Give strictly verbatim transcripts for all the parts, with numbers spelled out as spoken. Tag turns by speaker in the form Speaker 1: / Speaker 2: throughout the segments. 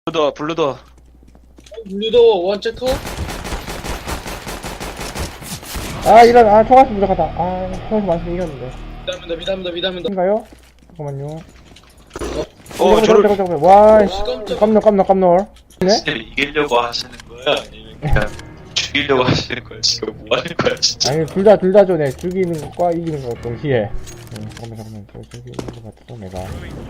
Speaker 1: 블루더 블루더.
Speaker 2: 블루도 원체커?
Speaker 3: 아 이런 아 총알수 부족하다. 아 총알수 많으면 이겼는데.
Speaker 2: 미담이다 미담이다 미담이다.
Speaker 3: 인가요? 잠깐만요.
Speaker 1: 어 저를
Speaker 3: 잠깐 잠깐 와 씨.
Speaker 2: 깜짝-
Speaker 3: 깜놀 깜놀 깜놀. 네?
Speaker 4: 진짜 이기려고 하시는 거야? 아니면 그냥 죽이려고 하시는 거야? 지금 뭐 하는 거야 진짜?
Speaker 3: 아니 둘 다 둘 다 좋네. 죽이는 것과 이기는 것 동시에. 응, 잠깐만 잠깐만 저 저기 있는 것 같았어 내가.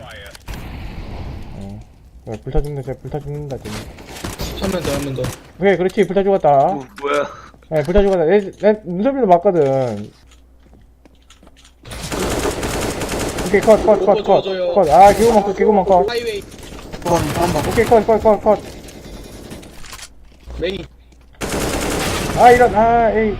Speaker 3: 어. 야, 불타 죽는다 쟤 불타 죽는다 쟤.
Speaker 2: 한 명 더 한 명 더.
Speaker 3: 오케이 그렇지 불타 죽었다.
Speaker 1: 뭐, 뭐야?
Speaker 3: 네 불타 죽었다. 내, 내 눈썹이로 봤거든. 오케이 컷 컷 컷 컷 컷. 아 개구멍 컷 개구멍 컷.
Speaker 2: 하이웨이
Speaker 3: 오케이 컷 컷 컷 컷.
Speaker 2: 메인.
Speaker 3: 아 이런 아 에이.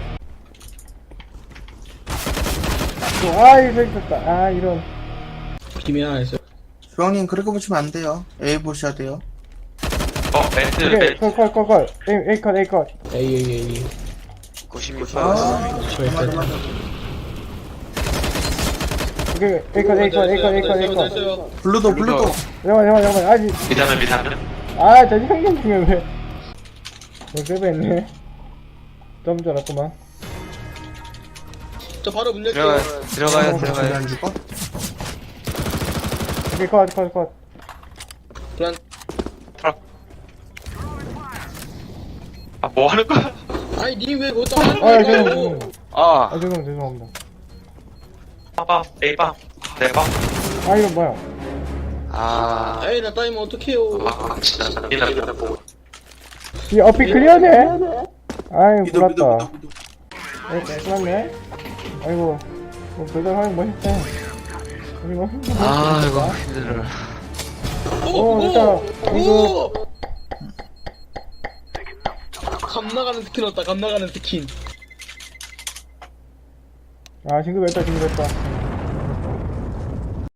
Speaker 3: 아 이거 있었다. 아 이런.
Speaker 2: 김이 하나 있어.
Speaker 5: 주황님 그렇게 보시면 안 돼요. A 보셔야 돼요.
Speaker 4: 어 멘트
Speaker 3: 오케이
Speaker 4: 멘트
Speaker 3: 컷컷컷 컷. 에이 에이 컷 에이 컷.
Speaker 2: 에이 에이 에이.
Speaker 1: 구십육
Speaker 5: 아,
Speaker 1: 번.
Speaker 2: 저기
Speaker 5: 맞아
Speaker 2: 있다.
Speaker 5: 맞아.
Speaker 3: 오케이 에이 컷 에이 컷 에이 컷 에이 컷 에이 컷.
Speaker 2: 됐어요.
Speaker 5: 블루도 블루도.
Speaker 3: 잠깐만 잠깐만 잠깐만 아직.
Speaker 4: 미담은 미담은
Speaker 3: 아, 저 형님 중에 왜? 왜 세배했네? 좀 전았구만.
Speaker 2: 저 바로 문 열게요.
Speaker 1: 들어가 들어가요
Speaker 5: 왜
Speaker 1: 들어가요.
Speaker 5: 안 죽어?
Speaker 3: 오케이, 컷, 컷, 컷.
Speaker 2: 불안.
Speaker 4: 아 뭐 하는 거야?
Speaker 2: 아니 니왜 그것도 안
Speaker 3: 아,
Speaker 2: 하는
Speaker 3: 죄송합니다.
Speaker 2: 거야?
Speaker 3: 죄송합니다.
Speaker 1: 아
Speaker 3: 아, 죄송합니다. 죄송합니다.
Speaker 4: 빠밤 A밤 대밤
Speaker 3: 아, 이건 뭐야?
Speaker 1: 아.
Speaker 2: 에이 나 따이면 어떡해요.
Speaker 4: 아 진짜 잔인하게 보고
Speaker 3: 이 어피 클리어네? 아이,
Speaker 5: 미도 미도
Speaker 3: 몰랐다.
Speaker 5: 미도 미도.
Speaker 3: 에이, 끝났네? 아이고, 뭐, 별дар 하는 거 멋있다. 그리고,
Speaker 1: 아 이거 힘들어.
Speaker 3: 오, 됐다. 이거.
Speaker 2: 오! 감나가는 스킨 왔다 감나가는 스킨.
Speaker 3: 아, 징급했다, 징급했다.